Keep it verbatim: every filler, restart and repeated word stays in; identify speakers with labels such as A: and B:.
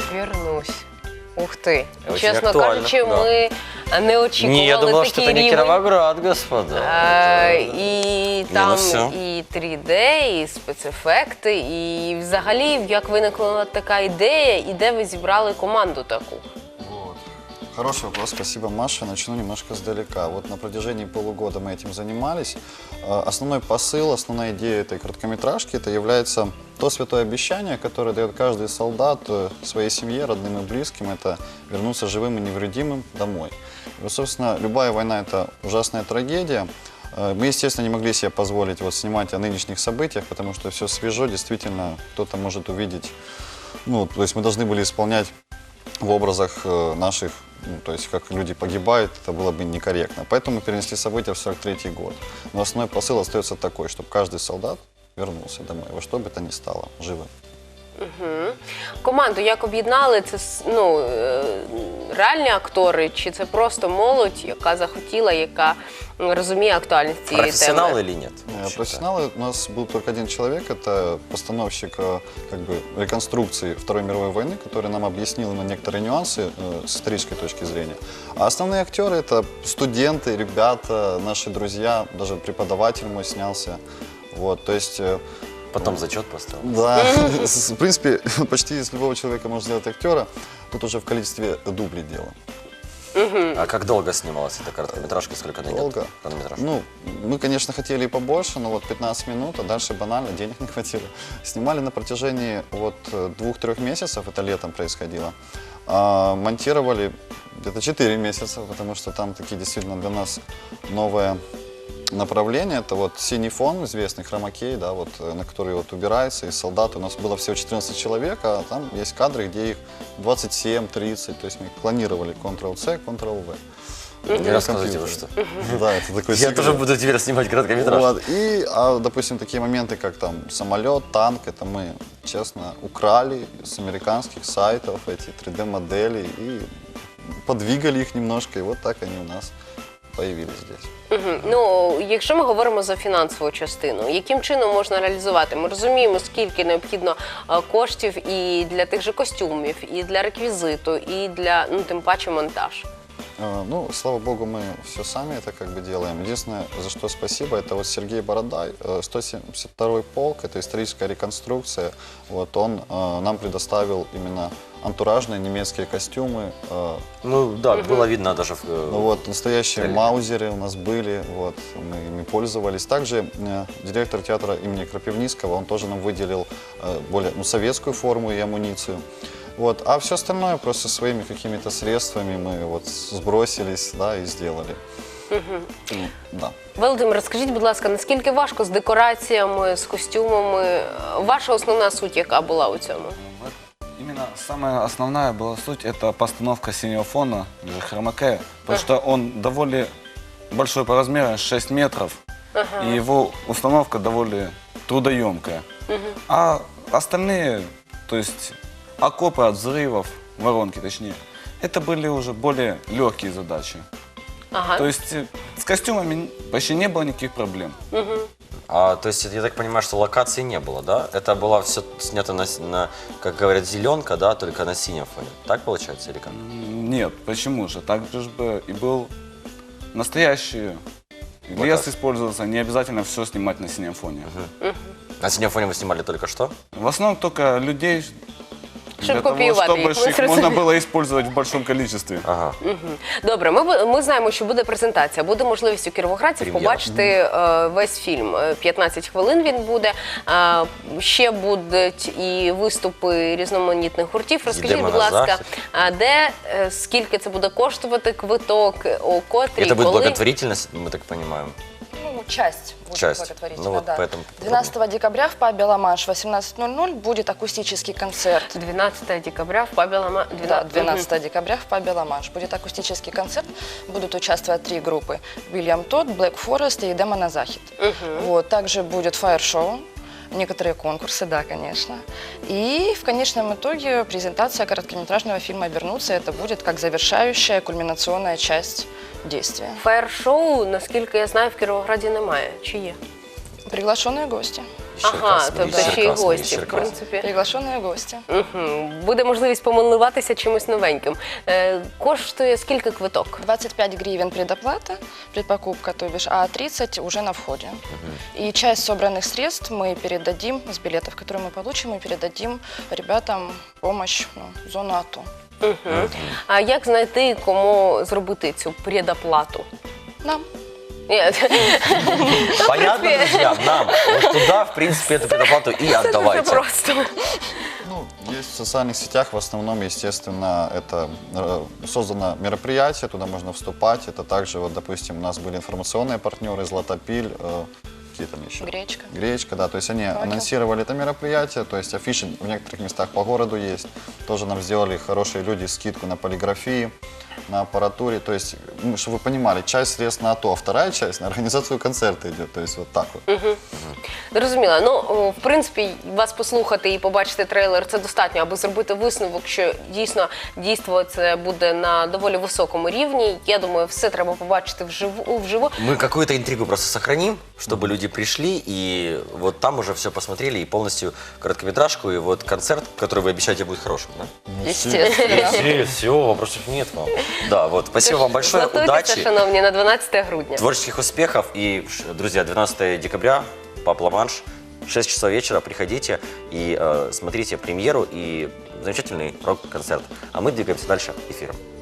A: Вернусь. Ух ты.
B: Очень
A: Честно
B: актуально,
A: кажучи,
B: да.
A: мы не очікували
B: Не, я думал,
A: такий
B: что это не
A: рівень.
B: Кировоград, господа.
A: Е,
B: Это-
A: І
B: ну
A: там
B: все.
A: і три де, і спецефекти, і взагалі, як виникла така ідея, і де ви зібрали команду таку?
C: Вот. Хороший вопрос, спасибо, Маша. Начну немножко сдалека. Вот на протяжении полугода мы этим занимались. Э, Основной посыл, основная идея этой короткометражки, это является то святое обещание, которое дает каждый солдат э, своей семье, родным и близким, это вернуться живым и невредимым домой. И вот, собственно, любая война – это ужасная трагедия. Э, Мы, естественно, не могли себе позволить вот снимать о нынешних событиях, потому что все свежо, действительно, кто-то может увидеть. Ну, то есть мы должны были исполнять в образах э, наших, ну, то есть как люди погибают, это было бы некорректно. Поэтому мы перенесли события в сорок третий год. Но основной посыл остается такой, чтобы каждый солдат вернулся домой, во что бы то ни стало, живым.
A: Угу. Команду як об'єднали? Це с- ну, е, реальні актори, чи це просто молодь, яка захотіла, яка м, розуміє актуальність цієї
B: Профессионалы
A: теми?
B: или нет?
C: Э, Профессионалы у нас был только один человек, это постановщик э, как бы, реконструкции Второй мировой войны, который нам объяснил именно некоторые нюансы э, с исторической точки зрения. А основные актеры это студенты, ребята, наши друзья, даже преподаватель мой снялся. Вот, то есть э,
B: Потом зачет поставил.
C: да, в принципе, почти из любого человека можно сделать актера. Тут уже в количестве дублей дело.
B: А как долго снималась эта короткометражка? Сколько она идет?
C: Долго.
B: Хронометраж?
C: Ну, мы, конечно, хотели и побольше, но вот пятнадцать минут, а дальше банально, денег не хватило. Снимали на протяжении вот двух-трех месяцев, это летом происходило. А монтировали где-то четыре месяца, потому что там такие действительно для нас новые направление. Это вот синий фон, известный хромакей, да, вот, э, на который вот убирается, и солдаты. У нас было всего четырнадцать человек, а там есть кадры, где их двадцать семь тридцать. То есть мы клонировали контрол-С, контрол-В.
B: Не рассказывайте вы что.
C: Да, это такой
B: Я
C: секрет.
B: тоже буду теперь снимать короткометраж.
C: Вот. И, а, допустим, такие моменты, как там самолет, танк, это мы, честно, украли с американских сайтов эти три дэ модели и подвигали их немножко, и вот так они у нас появились здесь.
A: Мгм. Ну, якщо ми говоримо за фінансову частину, яким чином можна реалізувати? Ми розуміємо, скільки необхідно е, коштів і для тих же костюмів, і для реквізиту, і для, ну, тим паче, монтаж.
C: Э, Ну, слава богу, мы все сами это как бы делаем. Единственное, за что спасибо, это вот Сергей Бородай, э, сто семьдесят второй полк, это историческая реконструкция. Вот он э, нам предоставил именно антуражные немецкие костюмы. э,
B: Ну да, было видно даже в... э,
C: Ну, вот настоящие
B: Реально.
C: маузеры у нас были, вот, мы ими пользовались. Также э, директор театра имени Крапивницкого, он тоже нам выделил э, более ну, советскую форму и амуницию. Вот. А все остальное просто своими какими-то средствами мы вот сбросились, да, и сделали. Ну, да.
A: Володимир, розкажіть, будь ласка, наскільки важко з декораціями, з костюмами? Ваша основна суть яка була у цьому?
D: Вот именно самая основная была суть – это постановка синего фона, или хромакея, потому что он довольно большой по размеру, шесть метров, и его установка довольно трудоемкая. А остальные, то есть окопы от взрывов, воронки точнее, это были уже более легкие задачи.
A: Ага.
D: То есть э, с костюмами почти не было никаких проблем.
B: А, то есть, я так понимаю, что локации не было, да? Это было все снято на, с- на, как говорят, зеленка, да, только на синем фоне. Так получается или как?
D: М, Нет, почему же? Так же бы и был настоящий
B: Вот
D: лес
B: так.
D: использовался, не обязательно все снимать на синем фоне.
B: На синем фоне вы снимали только что?
D: В основном только людей,
A: Щоб
D: для того,
A: копіювати
D: чтобы
A: їх, ми
D: их можно
A: зрозуміли.
D: было использовать в большом количестве.
B: Ага.
A: Добре, ми, бу- ми знаємо, що буде презентація. Буде можливість у кіровоградців
B: Прем'єра.
A: побачити е, весь фільм. Е, п'ятнадцять хвилин він буде. Е, ще будуть і виступи різноманітних гуртів. Розкажіть,
B: Йдемо
A: будь
B: на
A: ласка,
B: захід.
A: а де, е, скільки це буде коштувати квиток, о котрій,
B: Это будет
A: коли?
B: благотворительность, мы так понимаем.
E: Ну, часть будет
B: Часть.
E: благотворительная,
B: Ну, вот
E: да.
B: поэтому
E: двенадцатого декабря в пабе «Ла-Манш» в восемнадцать ноль ноль будет акустический концерт.
A: дванадцятого декабря в пабі Лама...
E: Да, двенадцатого декабря в пабе «Ла-Манш» будет акустический концерт. Будут участвовать три группы: Уильям Тодд, Блэк Форест и «Демо на Захид». Вот, также будет фаер-шоу, некоторые конкурсы, да, конечно. И в конечном итоге презентация короткометражного фильма «Вернуться». Это будет как завершающая, кульминационная часть действия.
A: Фаєр-шоу, наскільки я знаю, в Кіровограді немає. Чи є?
E: Приглашенные гости.
B: Ще
A: Ага,
B: раз,
A: тобто ще й
B: Черкас,
A: гості, в
B: Черкас.
A: принципі.
E: Приглашенные гости.
A: Мгм. Буде можливість помилуватися чимось новеньким. Е, Коштує скільки квиток?
E: двадцать пять гривен предоплата, предпокупка, то бишь, а тридцать уже на входе. И часть собранных средств мы передадим, с билетов, которые мы получим, мы передадим ребятам помощь, ну, в зону АТО.
A: Мгм. А як знайти, кому зробити цю предоплату?
E: Нам.
A: Ні,
B: Понятно, друзья, нам. Вот туда, в принципе, эту предоплату и
A: це дуже
B: отдавайте.
A: просто.
C: Ну, есть в социальных сетях, в основном, естественно, это э, создано мероприятие, туда можно вступать. Это также, вот, допустим, у нас были информационные партнеры, Златопиль, э, какие там еще?
E: Гречка.
C: Гречка, да, то есть они
E: Факел.
C: анонсировали это мероприятие, то есть афиши в некоторых местах по городу есть. Тоже нам сделали хорошие люди скидку на полиграфии, на аппаратуре, то есть, ну, чтобы вы понимали, часть средств на АТО, а вторая часть на организацию концерта идет, то есть вот так вот.
A: Зрозуміло. Ну, о, в принципі, вас послухати і побачити трейлер – це достатньо, аби зробити висновок, що дійсно дійство це буде на доволі високому рівні. Я думаю, все треба побачити вживу. вживу.
B: Мы какую-то интригу просто сохраним, чтобы люди пришли и вот там уже все посмотрели и полностью короткометражку, и вот концерт, который вы обещаете, будет хорошим, да?
A: Естественно.
B: Все, вопросов нет вам. Да, вот, спасибо вам большое,
A: Готуйтеся,
B: удачи,
A: шановні, на дванадцяте грудня.
B: творческих успехов и, ш- друзья, двенадцатого декабря, Паб Ла-Манш, шесть часов вечера, приходите и э, смотрите премьеру и замечательный рок-концерт. А мы двигаемся дальше эфиром.